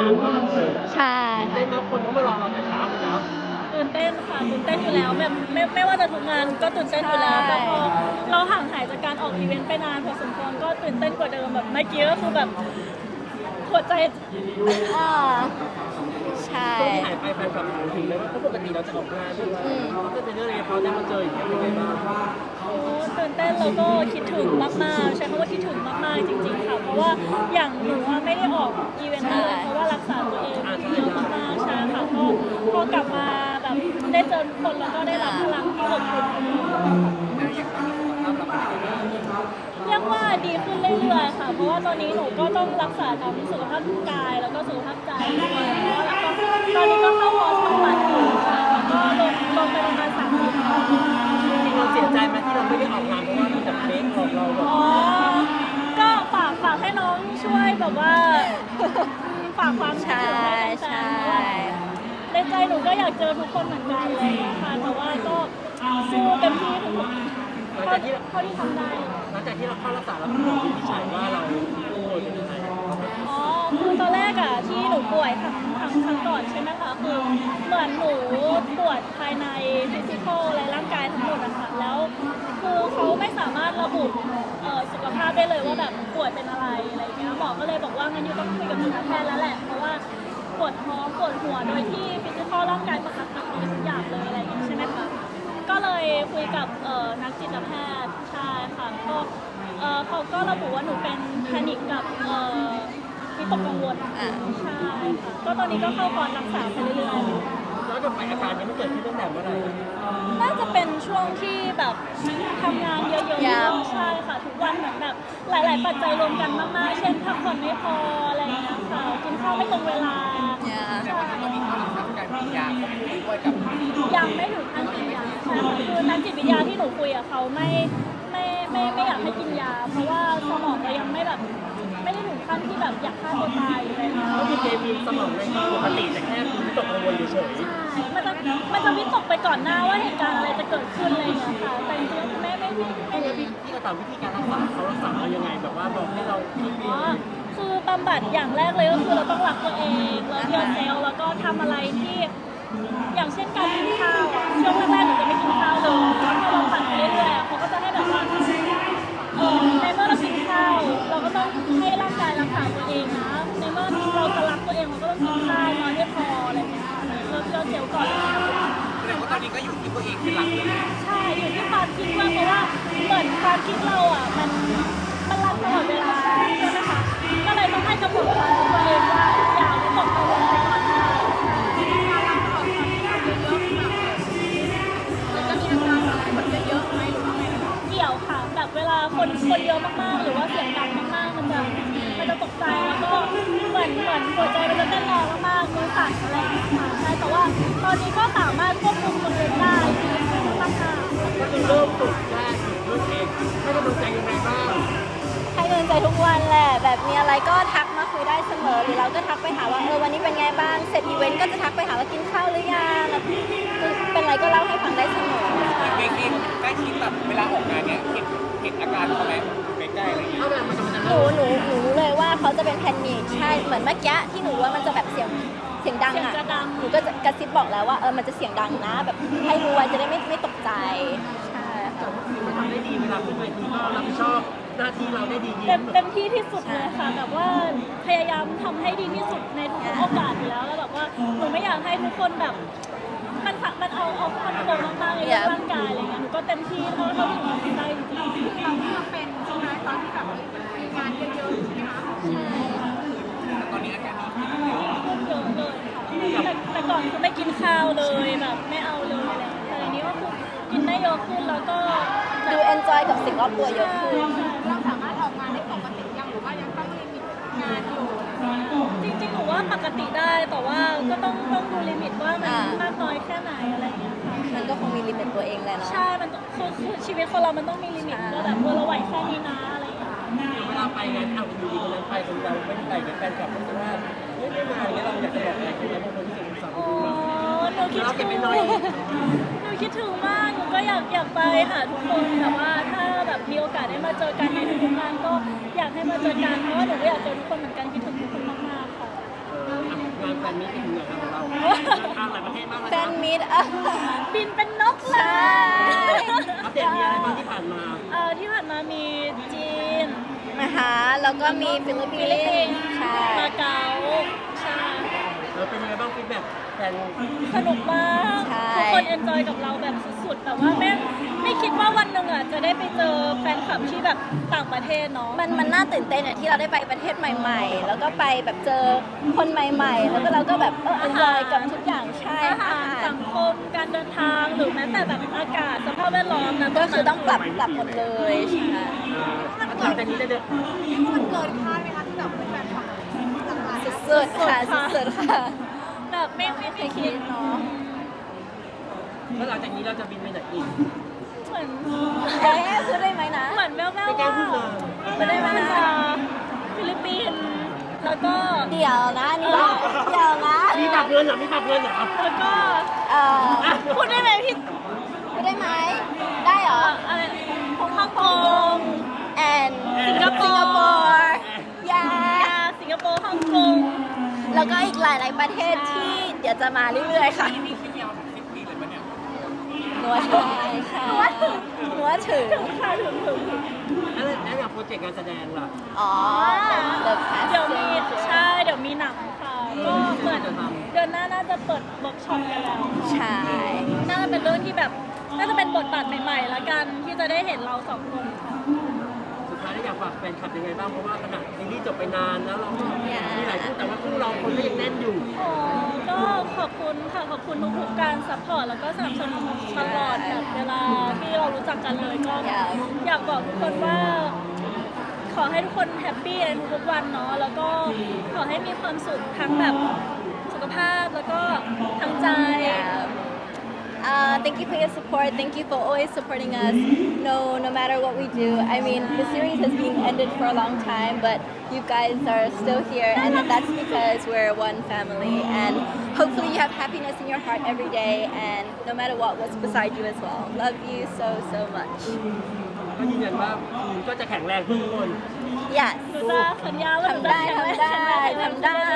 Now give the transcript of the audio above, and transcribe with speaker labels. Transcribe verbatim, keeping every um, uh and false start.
Speaker 1: านมากเลย
Speaker 2: ใช่
Speaker 1: เต้นแล้วคนก็มารอเราแต่เช้าเลยนะ
Speaker 3: ตื่นเต้นค่ะตื่นเต้นอยู่แล้วแบบไม่ไม่ว่าจะทุกงานก็ตื่นเต้นอยู่แล้วแต่พอเราห่างหายจากการออกอีเวนต์ไปนานพอสมควรก็ตื่นเต้นกว่าเดิมแบบเมื่อกี้ก็คือแบบหัวใจ
Speaker 2: อ่าใช่
Speaker 1: ช่วงที่หายไปแฟนคลับถามถึงเลยว่าเพราะปกติเราจะออกงานด้วยเขาจะเป็นเรื่องอะไรเขาได้มาเจออย่างเงี้ยเป็นไงบ้าง
Speaker 3: โอ้ตื่นเต้นแล้วก็คิดถึงมากๆใช้คำว่าคิดถึงมากๆจริงๆค่ะเพราะว่าอย่างหนูว่าไม่ได้ออกอีเวนต์เลยเพราะว่ารักษาตัวเองเยอะมากๆใช่ค่ะก็พอกลับมาแบบได้เจอทุกคนแล้วก็ได้รับพลังที่อบอุ่นเรียกว่าดีขึ้นเรื่อยๆค่ะเพราะว่าตอนนี้หนูก็ต้องรักษาทั้งสุขภาพกายแล้วก็สุขภาพใจด้วยเพราะว่าแล้วก็ตอนนี้ก็เข้าคอร์สบำบัดอยู่แล้วก็ลงลงไปประมาณสามสิบ
Speaker 1: จริงเราเสียใจไหมที่เราไม่ได้ออกงานเพราะว่ามีแต่เมคของเราแบบ
Speaker 3: อ๋อก็ฝากฝากให้น้องช่วยแบบว่าฝากความคิดถึงให้แฟนๆเพราะว่าในใจหนูก็อยากเจอทุกคนเหมือนกันเลยค่ะแต่ว่าก็สู้เต็มที่ทุกเท่าที่เท่าที่ทำได้
Speaker 1: หลังจากที่เราเข้ารักษาแล้วคุณหมอวินิจฉัยว่าเราป่วยเป็นยังไง
Speaker 3: อ๋อคือตอนแรกอะที่หนูป่วยครั้งครั้งครั้งก่อนใช่ไหมคะคือเหมือนหนูปวดภายในฟิสิกอลอะไรร่างกายทั้งหมดอะค่ะแล้วคือเขาไม่สามารถระบุสุขภาพได้เลยว่าแบบป่วยเป็นอะไรอะไรเงี้ยหมอก็เลยบอกว่างั้นยูต้องคุยกับจิตแพทย์แล้วแหละเพราะว่าปวดท้องปวดหัวโดยที่ฟิสิกอลร่างกายปกติทุกอย่างเลยอะไรอย่างเงี้ยใช่ไหมคะก็เลยคุยกับนักจิตแพทย์ใช่ค่ะก็เขาก็ระบุว่าหนูเป็นแพนิคกับวิตกกังวลใช่ค่ะก็ตอนนี้ก็เข้าคอร์สรักษาไปเรื่อยๆ
Speaker 1: แล้วกับอาการนี้มันเกิดขึ้นตั้งแต่เมื่อไหร่
Speaker 3: น่าจะเป็นช่วงที่แบบทำงานเยอะๆใช่ค่ะทุกวันเหมือนแบบหลายๆปัจจัยรวมกันมากๆเช่นพักผ่อนไม่พออะไรอย่างเงี้ยค่ะกินข้าวไม่ตรงเวลา
Speaker 2: ใช่
Speaker 1: ก็มีข้อสังการกินยาควบคู่ด้วยกับ
Speaker 3: ยังไม่ถึงขั้นกินยาใช่ค่ะคือนักจิตวิทยาที่หนูคุยกับเขาไม่ไม่ไม่ไม่อยากให้กินยาเพราะว่าสมองเรายังไม่แบบไม่ได้ถึงขั้นที่แบบอยากฆ่าตัวตายอะไรอย่างเงี้ย
Speaker 1: ก็คือเจมีสมองในปกติแต่แค่วิตกกังวลเฉย
Speaker 3: ใช่มันจะมันจะวิตกไปก่อนหน้าว่าเหตุการณ์อะไรจะเกิดขึ้นอะไรอย่างเงี้ยค่ะแต่จริงๆไม่ไม่ไม่ไม่ได้
Speaker 1: พี่พี่กระต่ายวิธีการรักษาเขารักษาเรายังไงแบบว่าบอกให้เรา
Speaker 3: อ๋อคือบำบัดอย่างแรกเลยก็คือเราต้องรักตัวเองแล้วเพียรเซลแล้วก็ทำอะไรที่อย่างเช่นการกินข้าวอ่ะช่วงแรกๆหนูจะไม่กินข้าวเลยแล้วพอเราผัดไปเรื่อยๆเขาก็จะให้แบบว่าเออในเมื่อเรากินข้าวเราก็ต้องให้ร่างกายรักษาตัวเองนะในเมื่อเราจะรักตัวเองเราก็ต้องกินข้าวนอนให้พออะไรอย่างเงี้ยเราเพียรเซลก่อน
Speaker 1: แสดงว่าตอนนี้ก็อยู่ที่ตัวเองเป็นหลักเลย
Speaker 3: ใช่อยู่ที่ความคิดว่าเพราะว่าเหมือนความคิดเราอ่ะมันมันรันตลอดเวลาใช่ไหมคะก็เลยต้องให้กำหนดความคิดตัวเองว่าอย่าวิตกกังวลไปก่อนหน้าเกี่ยวค่ะแบบเวลาคนคนเยอะมากๆหรือว่าเสียงดังมากๆมันจะมันจะตกใจแล้วก็เหมือนเหมือนหัวใจมันจะเต้นแรงมากๆมือสั่นอะไรอย่างเงี้ยค่ะใช่แต่ว่าตอนนี้ก็สามารถควบคุมตัวเองได้ดีขึ้นมากๆ
Speaker 1: ก็คือเริ่มฝึกได้ฝึกเองให้กำลังใจยังไงบ้าง
Speaker 2: ให้กำลังใจทุกวันแหละแบบมีอะไรก็ทักมาคุยได้เสมอหรือเราก็ทักไปหาว่าเออวันนี้เป็นไงบ้างเสร็จอีเวนต์ก็จะทักไปหาว่ากินข้าวหรือยังเป็นอะไรก็เล่าให้ฟังได้เสมอ
Speaker 1: เก่งๆใกล้ชิดแบบเวลาออกงานเนี่ยเห็นเห็นอาการเขาไหมใกล้ๆอะไรอย่างเงี้ย
Speaker 2: หนูหนูหนูรู้เลยว่าเขาจะเป็นแพนิคใช่เหมือนเมื่อกี้ที่หนูว่ามันจะแบบเสียงเสียงดังอ่ะหนูก็จะกระซิบบอกแล้วว่าเออมันจะเสียงดังนะแบบให้รู้ไว้จะได้ไม่ไม่ตกใจใช่
Speaker 1: แต่ว่าคือมันทำได้ดีเวลาขึ้นเวทีก็รับผิดชอบหน้าที่เราได้ดี
Speaker 3: เต็มเต็มที่ที่สุดเลยค่ะแบบว่าพยายามทำให้ดีที่สุดในทุกโอกาสอยู่แล้วแล้วแบบว่าหนูไม่อยากให้ทุกคนแบบมันมันเอาเอาคอนโทรลมากๆในร่างกายอะไรเงี้ยหนูก็เต็มที่เท่าเท่าที่หนูทำได้จริงๆ
Speaker 4: เราที่เราเป็นใช่ไหมตอนที่แบบมีงานเยอะๆใช่ไหมคะ
Speaker 2: ใช่
Speaker 1: ตอนนี้อาการดีขึ้น
Speaker 3: เยอะเยอะเลยค่ะแต่แต่ก่อนคือไม่กินข้าวเลยแบบไม่เอาเลยอะไรแต่ทีนี้ก็คือกินได้เยอะขึ้นแล้วก็
Speaker 2: ดูเอนจอยกับสิ่งรอบตัวเยอะขึ้น
Speaker 4: เราสามารถออกงานได้ปกติยังหรือว่ายังต้องลิมิตงานอยู่
Speaker 3: จริงๆหนูว่าปกติได้แต่ว่าก็ต้องต้องดูลิมิตว่ามันมากน้อยแค่ไหนอะไรอย่างเงี้ยค่ะ
Speaker 2: มันก็คงมีลิมิตตัวเองแหละเนาะ
Speaker 3: ใช่มันคือคือชีวิตคนเรามันต้องมีลิมิตว่าแบบเราไหวแค่นี้นะอะไรอย่างเงี้ย
Speaker 1: เวลาไปงานเอาอยู่ดีวันนั้นไปคนเราไม่ได้ไปกับแฟนคลับเพราะว่าเฮ้ยไม่มาอย่างเงี้ยเราอยากจะบอกอะไรคุณบางคนที่เสียงสั่น
Speaker 3: อ๋อหนูคิดถึงหนูคิดถึงมากหนูก็อยากอยากไปหาทุกคนแต่ว่าถ้าแบบมีโอกาสได้มาเจอกันในทุกๆงานก็อยากให้มาเจอกันเพราะว่าหนูก็อยากเจอทุกคนเหมือนกันคิดถึงทุกคนมากๆค่ะ
Speaker 1: นมิตรที่เหนือของเราทางหลายประเทศมากเลย
Speaker 2: แฟ
Speaker 1: นะ
Speaker 2: นมิตรอ่ะ
Speaker 3: บินเป็นนกเล
Speaker 2: ใช่
Speaker 3: ย
Speaker 1: อัปเดตมีอะไรบ้างที่ผ่านมา
Speaker 3: เอ่อที่ผ่านมามีจีน
Speaker 2: นะคะแล้วก็มีฟิลิปปิ
Speaker 3: ฟิลิปปิ
Speaker 2: น
Speaker 3: น
Speaker 2: ส์
Speaker 3: ส์
Speaker 2: ใช่
Speaker 3: มาเก๊าใช่
Speaker 1: เออเป็นยังไงบ้างฟีดแบ็กแฟน
Speaker 3: สนุกมาก
Speaker 2: ใช่
Speaker 3: ทุกคนเอนจอยกับเราแบบสุดๆแต่ว่าไม่ไม่คิดว่าวันหนึ่งอ่ะจะได้ไปเจอแฟนคลับที่แบบต่างประเทศเนาะ
Speaker 2: มันมันน่าตื่นเต้นอ่ะที่เราได้ไปประเทศใหม่ ๆ แล้วก็ไปแบบเจอคนใหม่ ๆ แล้วก็เราก็แบบเออ enjoy กับทุกอย่างใช่
Speaker 3: อาหาร
Speaker 2: อาหาร
Speaker 3: สังคมการเดินทางหรือแม้แต่แบบอากาศสภาพแวดล้อมนะ
Speaker 2: ก็คือต้องปรับปรับหมดเลยใช่
Speaker 1: หลังจากนี้จะเดิน
Speaker 4: มันเกินคาดไหมคะที่แบบเป็นแฟนคลับหลากหลาย
Speaker 2: สุดๆค่ะสุดๆค่ะ
Speaker 3: แบบไม่ไม่เคยคิดเนาะ
Speaker 1: แล้วหลังจากนี้เราจะบินไปไหนอีก
Speaker 3: เหมือน
Speaker 2: เอ๊ะพูดได้ไหมนะ
Speaker 3: เหมือนแว่วๆ
Speaker 1: ไม่กล้าพูดเลย
Speaker 2: ไม่ได้มานะ
Speaker 3: จะฟิลิปปินส์แล้วก็
Speaker 2: เดี๋ยวนะนี่ว่าเดี๋ยวนะ
Speaker 1: มีปรับเงินเหรอมีปรับเงินเหรอ
Speaker 3: แล้วก็
Speaker 2: เอ่อ
Speaker 3: พูดได้ไหมพี่
Speaker 2: พูดได้ไหมได้เหรอ
Speaker 3: อะไรฮ่องกง
Speaker 2: and
Speaker 3: สิงคโปร์
Speaker 2: สิงคโปร์ยา
Speaker 3: สิงคโปร์ฮ่องกง
Speaker 2: แล้วก็อีกหลายๆประเทศที่เดี๋ยวจะมาเรื่อยๆค่ะหนัวใช่ค่ะหนัวถึง
Speaker 3: ค่ะถึงถึงถึง
Speaker 1: แล้วแล้วอย่างโปรเจกต์การแสดงล่ะ
Speaker 2: อ๋อ The
Speaker 3: เดี๋ยวมี
Speaker 2: Passage
Speaker 3: ใช่เดี๋ยวมีหนังค่ะก็เหมือนเดือนหน้าน่าจะเปิดเวิร์กช็อปกันแล้ว
Speaker 2: ใช่
Speaker 3: น่าจะเป็นเรื่องที่แบบน่าจะเป็นบทบาทใหม่ๆละกันที่จะได้เห็นเราสองคนค่ะ
Speaker 1: สุดท้ายได้อยากฝากแฟนคลับยังไงบ้างเพราะว่าขณะซีรีส์จบไปนานแล้วเราก็มีหลายคู่แต่ว่าคู่เราคนก็ยังแน่นอยู่
Speaker 3: อ๋อก็ขอบคุณค่ะขอบคุณทุกๆการซัพพอร์ตแล้วก็สนับสนุนตลอดแบบเวลาที่เรารู้จักกันเลยก็อยากบอกทุกคนว่า ขอให้ทุกคนแฮปปี้ในทุกๆวันเนาะแล้วก็ขอให้มีความสุขทั้งแบบสุขภาพแล้วก็ทั้งใจ
Speaker 2: Uh, thank you for your support. Thank you for always supporting us. No, no matter what we do. I mean, the series has been ended for a long time, but you guys are still here, and that's because we're one family. And hopefully, you have happiness in your heart every day, and no matter what, what's beside you as well. Love you so so much.
Speaker 1: ก็ยืนยันว่าคุณก็จะแข็งแรงทุกคน
Speaker 2: Yes.
Speaker 3: หนูจะสัญญาว่าหนู
Speaker 2: ทำ
Speaker 3: จะ
Speaker 2: ได้
Speaker 3: แข็งแรง
Speaker 2: ทำได้
Speaker 3: แข็งแรง
Speaker 2: ทำได้